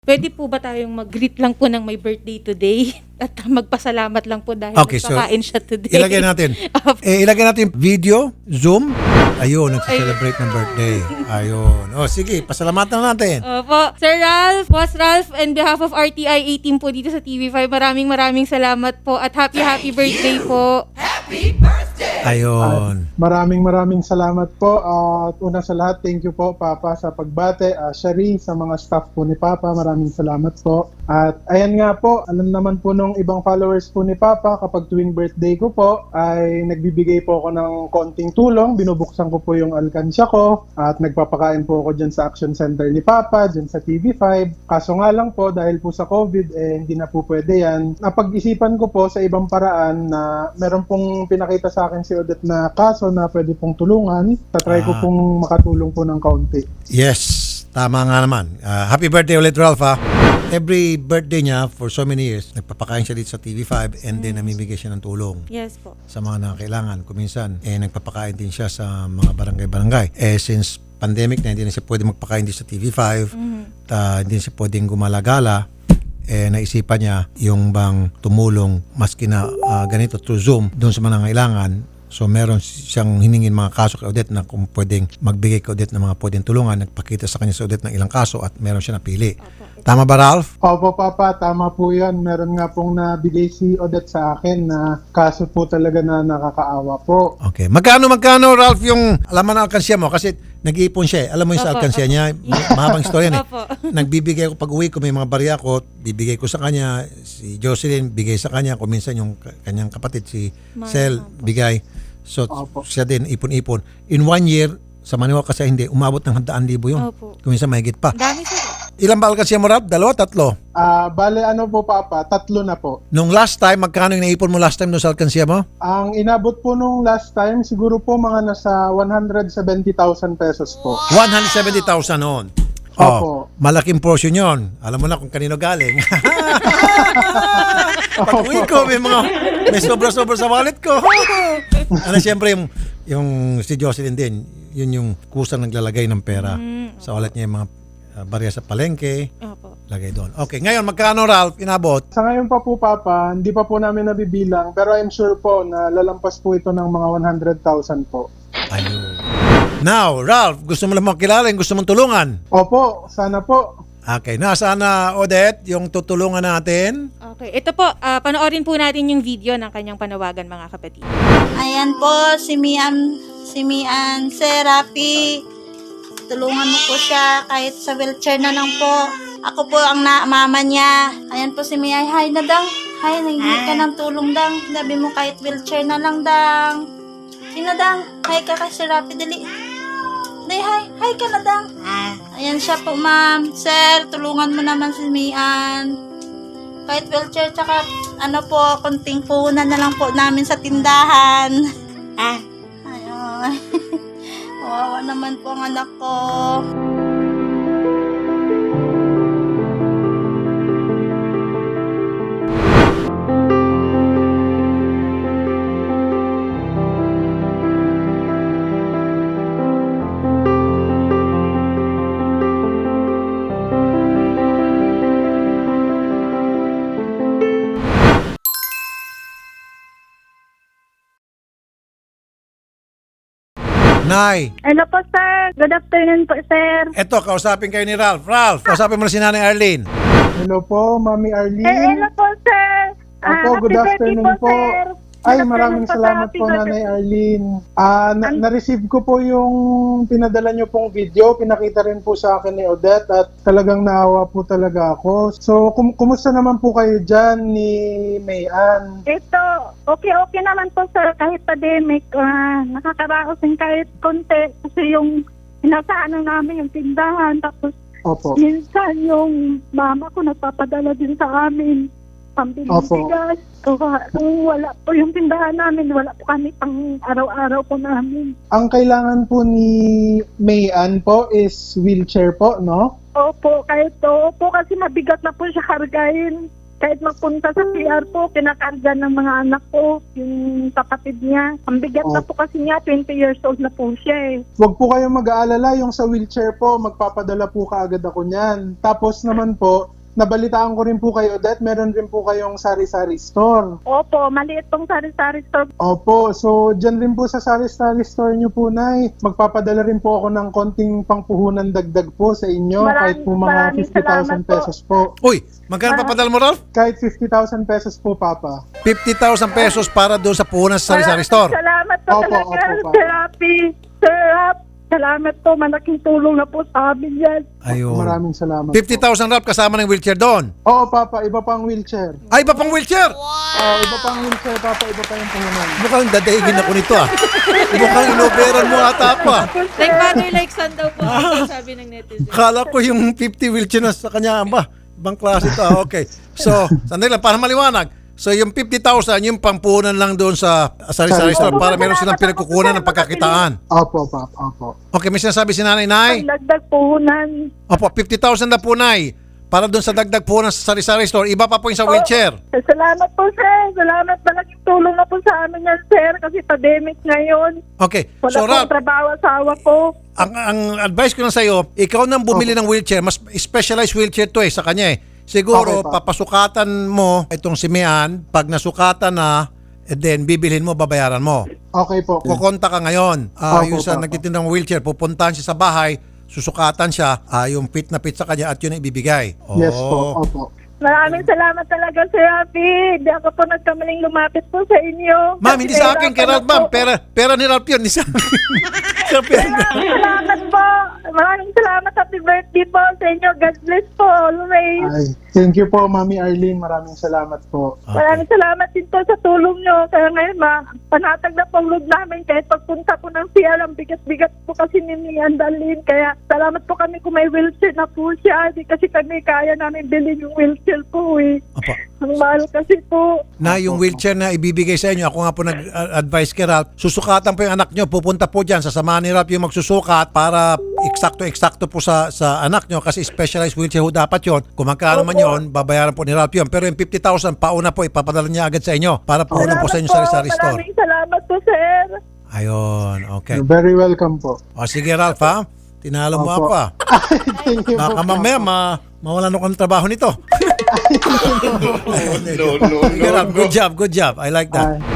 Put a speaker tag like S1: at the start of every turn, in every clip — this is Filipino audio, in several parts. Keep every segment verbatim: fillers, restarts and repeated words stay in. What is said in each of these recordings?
S1: Pwede po ba tayong mag-greet lang po ng may birthday today? At magpasalamat lang po dahil
S2: Okay, so
S1: nagkakain siya today.
S2: ilagay natin. eh, ilagay natin video, Zoom. Ayun, nagse-celebrate ng birthday. Ayun. O, sige, pasalamatan natin.
S1: Opo. Sir Ralph, Boss Ralph, on behalf of R T I eighteen po dito sa T V five, maraming maraming salamat po at happy happy birthday po.
S2: Ayun.
S3: Maraming maraming salamat po. At una sa lahat, thank you po Papa sa pagbate. Uh, Shari, sa mga staff po ni Papa, maraming salamat po. At ayan nga po, alam naman po nung ibang followers po ni Papa, kapag tuwing birthday ko po, ay nagbibigay po ako ng konting tulong. Binubuksan ko po yung alkansya ko at nagpapakain po ako dyan sa Action Center ni Papa, dyan sa T V five. Kaso nga lang po, dahil po sa COVID, eh hindi na po pwede yan. Napag-isipan ko po sa ibang paraan na meron pong pinakita sa akin si Odette na kaso na pwede pong tulungan. Tatry ko
S2: Ah.
S3: pong makatulong po ng kaunti.
S2: Yes, tama nga naman. Ah, happy birthday ulit, Ralph, ha? Every birthday niya for so many years, nagpapakain siya dito sa T V five and then namimigay siya ng tulong
S1: Yes po.
S2: sa mga nangangailangan. Kuminsan, eh, nagpapakain din siya sa mga barangay-barangay. Eh, since pandemic na, hindi na siya pwede magpakain dito sa T V five,
S1: Mm-hmm.
S2: ta, hindi siya pwedeng gumalagala, eh, naisipan niya yung bang tumulong maski na ah, ganito through Zoom doon sa mga nangangailangan. So meron siyang hiningin mga kaso kay Odette na kung pwedeng magbigay kay Odette ng mga pwedeng tulungan. Nagpakita sa kanya si Odette ng ilang kaso at meron siya napili. Tama ba, Ralph?
S3: Opo, Papa, tama po yan. Meron nga pong nabigay si Odette sa akin na kaso po talaga na nakakaawa po.
S2: Okay. Magkano, magkano, Ralph, yung alaman na alkansya mo? Kasi nag-iipon siya eh. Alam mo yung sa
S1: Opo,
S2: alkansya
S1: opo.
S2: niya, mahabang istorya yan eh.
S1: Opo.
S2: Nagbibigay ko pag uwi ko, may mga barya ko, bibigay ko sa kanya. Si Jocelyn, bigay sa kanya. Kung minsan yung ka- kanyang kapatid, si
S1: Ma-
S2: Sel,
S1: opo.
S2: bigay. So,
S3: Opo.
S2: siya din, ipon-ipon. In one year, sa maniwala kasi hindi, umabot ng handaan libo yun.
S1: Opo.
S2: Kung minsan mahigit pa.
S1: Ang dami sir.
S2: Ilan ba alkansya mo, Ralph? Dalawa, tatlo?
S3: Ah, bale ano po, Papa, tatlo na po.
S2: Nung last time, magkano yung naipon mo last time doon sa alkansya mo?
S3: Ang inabot po nung last time, siguro po mga nasa one hundred seventy thousand pesos po.
S2: one hundred seventy thousand noon.
S3: Opo.
S2: Oh, malaking portion yon. Alam mo na kung kanino galing. Pag uwi ko, may mga, may sobra-sobra sa wallet ko. Ano, siyempre, yung, yung si Jocelyn din, yun yung kusang naglalagay ng pera sa wallet niya, yung mga uh, barya sa palengke,
S1: Opo.
S2: lagay doon. Okay, ngayon, magkano, Ralph, inabot?
S3: Sa ngayon pa po, Papa, hindi pa po namin nabibilang, pero I'm sure po na lalampas po ito ng mga one hundred thousand po.
S2: Ayun. Now, Ralph, gusto mo lang makilala, yung gusto mong tulungan.
S3: Opo, sana po.
S2: Okay, nasaan na, Odette, yung tutulungan natin?
S1: Okay. Ito po, ah, panoorin po natin yung video ng kanyang panawagan mga kapatid.
S4: Ayan po, si Mian, si Mian Serapi. Tulungan mo po siya kahit sa wheelchair na lang po. Ako po ang na mama niya. Ayan po si Mian. Hi na dang. Hi, nanghingi ka ng tulong dang. Sabi mo kahit wheelchair na lang dang. Sino dang? Hi ka kay Serapi, dali. Dali, hi. Hi ka na dang. Ayan siya po, ma'am. Sir, tulungan mo naman si Mian. Kahit wheelchair, tsaka ano po, konting puhunan na lang po namin sa tindahan. Ah. Ayun. Kawawa naman po ang anak ko.
S2: Nay,
S5: Hello po, sir. Good afternoon po, sir.
S2: eto, kausapin kayo ni Ralph. Ralph, kausapin mo na si Nanay Arlene.
S3: Hello po, Mami
S5: Eh,
S3: Arlene.
S5: hello po, sir. Ah,
S3: Opo, good
S5: happy birthday
S3: afternoon po.
S5: sir.
S3: Ay,
S5: Good
S3: maraming
S5: afternoon
S3: salamat
S5: sir.
S3: po,
S5: Happy
S3: Nanay
S5: birthday.
S3: Arlene. Ah, na- na-receive ko po yung pinadala niyo pong video. Pinakita rin po sa akin ni Odette at talagang naawa po talaga ako. So, kum- kumusta naman po kayo dyan ni Mayan?
S5: Ito, okay-okay naman po, sir. Kahit pandemic, ah, nakakaraos din kahit konti. Kasi yung inasahan namin yung tindahan. Tapos,
S3: Opo.
S5: minsan yung mama ko nagpapadala din sa amin. Pambiling
S3: Opo.
S5: bigas. So, ah, kung wala po yung tindahan namin, wala po kami pang araw-araw po namin.
S3: Ang kailangan po ni Mayan po is wheelchair po, no?
S5: Opo, kahit opo kasi mabigat na po siya kargahin. Kahit magpunta sa C R po, kinakarga ng mga anak ko, yung kapatid niya. Ang bigat na
S3: Oh.
S5: po kasi niya, twenty years old na po siya eh.
S3: Huwag po kayong mag-aalala, yung sa wheelchair po, magpapadala po kaagad ako niyan. Tapos naman po, nabalitaan ko rin po kay Odette, meron rin po kayong sari-sari store.
S5: Opo, maliit pong sari-sari store.
S3: Opo, so dyan rin po sa sari-sari store nyo po, Nay. Magpapadala rin po ako ng konting pangpuhunan dagdag po sa inyo,
S5: Maraming-
S3: kahit po mga
S5: maraming
S3: fifty thousand
S5: salamat po.
S3: pesos po.
S2: Uy, magkano papadala mo, Ralph?
S3: Kahit fifty thousand pesos po, Papa.
S2: fifty thousand pesos para doon sa puhunan sa sari-sari
S5: Maraming
S2: store.
S5: Salamat po
S3: Opo,
S5: talaga,
S3: opo, Papa.
S5: Sir Rafi. Sir Rap, salamat po. Malaking tulong na po sa amin yan.
S2: Ayun.
S3: Maraming salamat
S2: fifty
S3: po.
S2: thousand Ralph kasama ng wheelchair doon.
S3: Oo, Papa, iba pang wheelchair.
S2: Ay, iba pang wheelchair.
S3: Oo, iba pang wheelchair, Papa, iba pa yung puhunan.
S2: Mukhang dadaigin ako nito ah. Mukhang inoberan mo ata ako ah.
S1: Like father, like son daw po. Sabi ng netizen.
S2: Kala ko yung fifty wheelchair na sa kanya ba? Ibang klase ito ah. Okay. So, sandali lang para maliwanag. So, yung fifty thousand, yung pampunan lang doon sa sari-sari store para meron silang pinagkukunan ng pagkakitaan.
S3: Opo, Papa, opo.
S2: Okay, may sinasabi si Nanay Nay.
S5: Dagdag puhunan.
S2: Opo, fifty thousand na po, Nay. Para doon sa dagdag po ng sari-sari store. Iba pa po yung sa wheelchair.
S5: Salamat po, sir. Salamat. Malaking tulong na po sa amin yan, sir. Kasi pandemic ngayon.
S2: Okay.
S5: Wala
S2: So,
S5: pong
S2: Ralph,
S5: trabaho asawa ko.
S2: ang, ang advice ko lang sa'yo, ikaw nang bumili ng wheelchair. Mas specialized wheelchair to eh, sa kanya eh. Siguro,
S3: Okay, pa.
S2: papasukatan mo itong si Mian. Pag nasukatan na, and then bibilhin mo, babayaran mo.
S3: Okay po.
S2: Kukonta ka ngayon. Ah,
S3: Opo,
S2: yung sa
S3: opo.
S2: nagtitindang wheelchair, pupuntahan siya sa bahay, susukatan siya, ah, yung fit na fit sa kanya at yun ang ibibigay.
S3: Yes
S2: Oh.
S3: po, opo.
S5: Maraming salamat talaga, Sir Rafi. Hindi ako po nagkamaling lumapit po sa inyo.
S2: Ma'am, hindi sa akin, kay Ralph, ma'am. Pera, pera ni Ralph yun, hindi sa akin. Sa pera.
S5: Maraming salamat po. Maraming salamat. Happy birthday po sa inyo. God bless po always.
S3: Ay, thank you po, Mami Arlene. Maraming salamat po.
S5: Maraming salamat din po sa tulong nyo. Kaya ngayon, ma, panatag na pong load namin. Kahit pagpunta po ng C R, ang bigat-bigat po kasi ni Mian Darlene. Kaya salamat po kami kung may wheelchair na po siya. Di kasi kami kaya namin bilhin yung wheelchair po eh.
S2: Opo.
S5: Ang mahal kasi po.
S2: Na yung wheelchair na ibibigay sa inyo, ako nga po nag-advise kay Ralph, susukatan po yung anak nyo, pupunta po dyan, sasamahan ni Ralph yung magsusukat para eksakto-eksakto po sa sa anak nyo kasi specialized wheelchair ho dapat yon. Kung magkano man yon, babayaran po ni Ralph yun. Pero yung fifty thousand, pauna po, ipapadala niya agad sa inyo para po po sa inyo sa sari-sari store.
S5: Maraming salamat po, sir.
S2: Ayun, okay.
S3: You're very welcome po.
S2: O sige Ralph ha, tinalo mo
S3: Opo.
S2: ako ah.
S3: Thank you
S2: Baka
S3: po.
S2: mamaya ma mawalan ako ng trabaho nito. no, no, no, Good job, good job. I like that.
S3: Ay.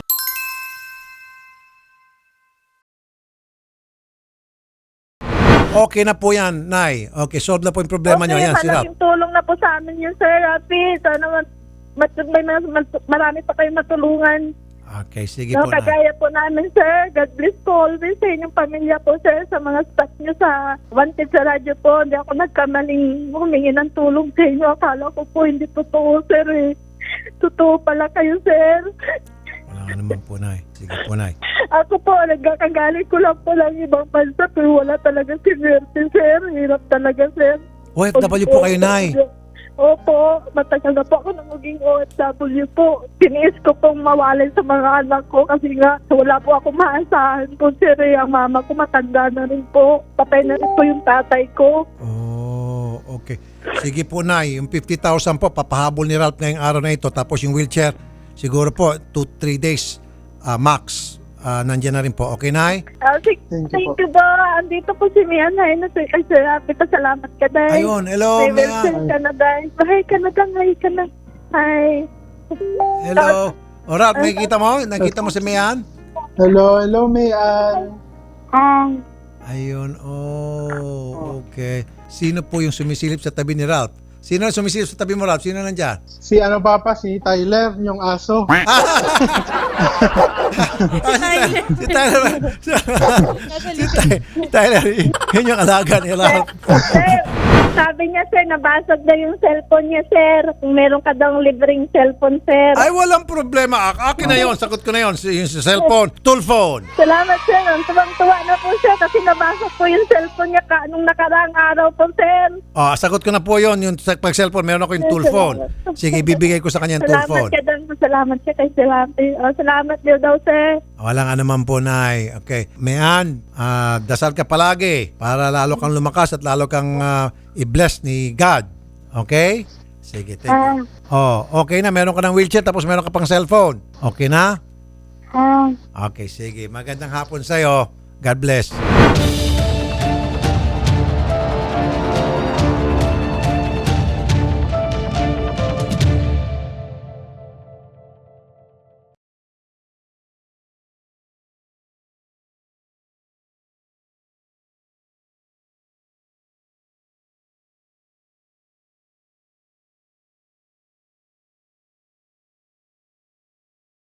S2: Okay na po yan, Nay. Okay, solve na po yung problema nyo. Yan, si Ralph.
S5: malaking tulong na po sa amin yun, Sir Rafi. Sana mat, mat, may mas, mas- marami pa kayong matulungan.
S2: Okay, sige
S5: No,
S2: po, Nay.
S5: kagaya po namin, Sir. God bless po always sa inyong pamilya po, Sir. Sa mga staff nyo sa Wanted sa radyo po. Hindi ako nagkamaling humingi ng tulong sa inyo. Akala ko po hindi totoo, Sir. Eh. Totoo pala kayo, Sir.
S2: Wala ka naman po, Nay. Sige po, Nay.
S5: Ako po, nagkakagaling ko lang po lang ibang bansa. Pero wala talaga si Mercy, Sir. Hirap talaga, Sir.
S2: O F W po kayo, Nay.
S5: Opo, matagal na po ako nang maging O F W po. Tiniis ko pong mawalay sa mga anak ko kasi nga wala po ako maasahan po, sir. Eh. Ang mama ko matanda na rin po. Patay na rin po yung tatay ko.
S2: Oh, okay. Sige po, Nay. Yung fifty thousand po, papahabol ni Ralph ngayong araw na ito. Tapos yung wheelchair, siguro po, two to three days ah, max. Ah, nandiyan na rin po. Okay, Nay?
S5: Ah, sig-
S3: Thank
S5: thank,
S3: you
S5: you po. Andito po si Mian. Ay, na sir. Ay, sir, happy pa. Salamat ka, Day.
S2: Ayun, hello,
S5: May welcome
S2: Mian.
S5: ka na, Day. Hi ka na, Day. Hi ka na. Hi.
S2: Hello. O, Ralph, nakikita mo? Nakikita mo si Mian?
S3: Hello, hello, Mayan.
S5: Um,
S2: Ayun, oh, okay. Sino po yung sumisilip sa tabi ni Ralph? Sino ang sumisilip sa tabi mo, Ralph? Sino nandyan?
S3: Si ano, Papa? Si Tyler, yung aso.
S2: Ah, si Tyler. Si Tyler. Si Ty- Tyler, yun yung alaga ni Ralph.
S5: Sir, sabi niya, sir, nabasag na yung cellphone niya, sir. Kung meron ka daw libreng cellphone, sir.
S2: Ay, walang problema. A- Akin na yun. Sagot ko na yun. Si- Yung si cellphone, tool phone.
S5: Salamat, sir. Ang tuwang-tuwa na po, sir, kasi nabasag po yung cellphone niya ka nung nakaraang araw po, sir.
S2: Oh, sagot ko na po yun. Yung sa- pag cellphone, meron ako yung tool phone. Sige, bibigay ko sa kanya yung tool
S5: Salamat
S2: phone.
S5: ka doon. Salamat siya kay Salamat. Oh, salamat din daw, sir.
S2: Walang ano man po, Nay. Okay. Mayan, ah, dasal ka palagi para lalo kang lumakas at lalo kang ah, i-bless ni God. Okay? Sige, thank you. Oh, okay na. Meron ka ng wheelchair tapos meron ka pang cellphone. Okay na?
S5: Ah.
S2: Okay, sige. Magandang hapon sa'yo. God bless.